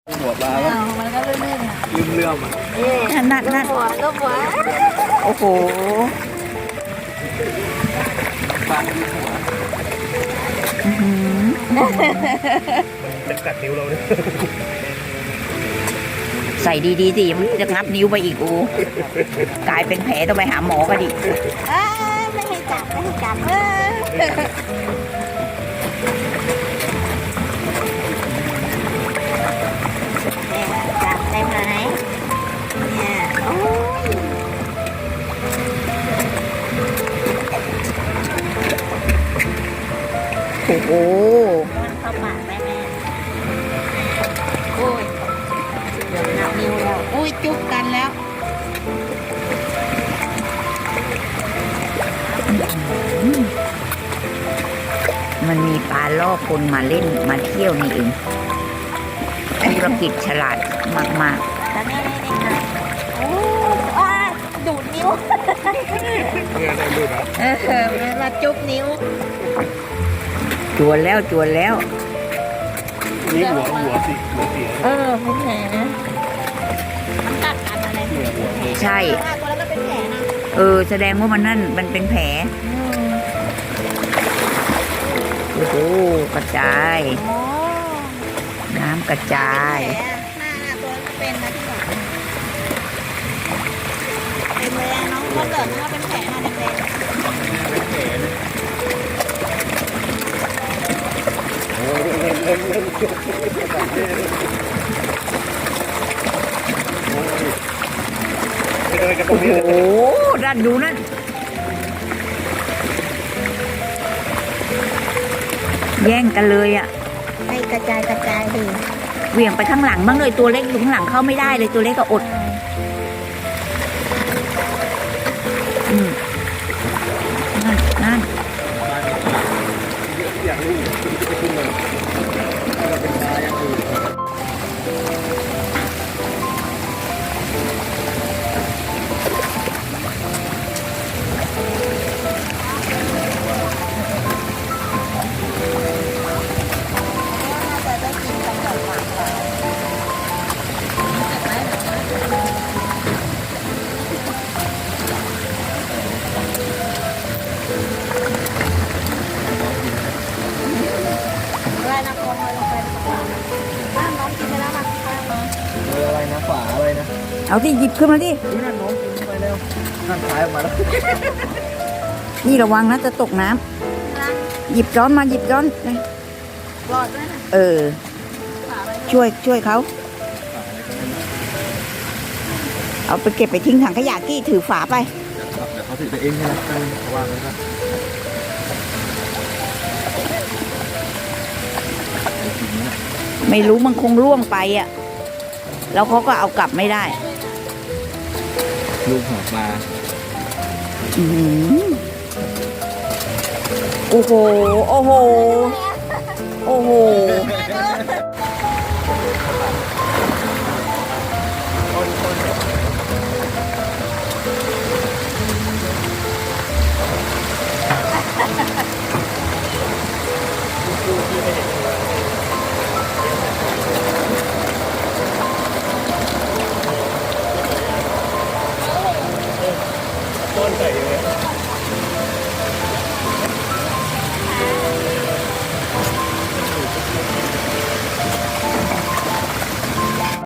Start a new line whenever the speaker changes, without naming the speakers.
หัวปลาแล้ว
มันก็ลื่นๆอ่ะ
เลื่อมๆอ่ะ
นั่นลูกหัว
โอ้โห
ปลาที่หัวจะกัดนิ้วเราเนี่ย
ใส่ดีๆสิมันจะงับนิ้วไปอีกอูกลายเป็นแผลต้องไปหาหมอกันดิ
ไม่ให้จับจับได้ไหมเนี่ยโอ้ย
โอ้โห
มันเข้าปากได้แม่โอ้ยเดี๋ยวนับนิ้วแล้วโอ้ยจุ๊บกันแล้ว
มันมีปลาล่อคนมาเล่นมาเที่ยวนี่เองธุรกิจฉลาดมาก
ๆแต่แม่นี่ค่ะโอ้ยดูดนิ้ว
เงินได้ดูด
เวลาจุ๊บนิ้ว
จวนแล้ว
นี่หัวสิหัวเสีย
เป็นแผลมันกัดกันอะไร
ใช่
ตัวแล้วก็เป็นแผลนะ
แสดงว่ามันเป็นแผลโอ้โหกระจายน้ำกระจาย
หน้าตัวเป็นนะที่บอกเป็นเลยน้องเขาเกิดว่าเป็นแผลมาเด็ก
เป็นแผลนะโอ้ยเล่นไปเลยกันตรงนี้
โอ้ด้านดูนั่นแย่งกันเลยอ่ะ
ให้กระจายดิ
เหวี่ยงไปข้างหลังบ้างเลยตัวเล็กอยู่ข้างหลังเข้าไม่ได้เลยตัวเล็กก็อดนั่น
อยากรู้จะขึ้นมาเราเป็นปลาอย่างอื่นอะไรนะฝาอะไรนะ
เอาที่หยิบขึ้นมาดิ
นี่นั่นน้องกินไปแล้วนั่นท้ายออกมาแล้ว
นี่ระวังนะจะตกน้ำหยิบจ้อนมาหยิบจ้อน
รอดด้วยนะ
ช่วยเขาเอาไปเก็บไปทิ้งถังขยะกี้ถือฝาไป
เดี๋ยวเขาถือไปเองนะเขาวางไว้ครับ
ไม่รู้มันคงล่วงไปอ่ะแล้วเขาก็เอากลับไม่ได้
ลูกหัวปลา
โอ้โห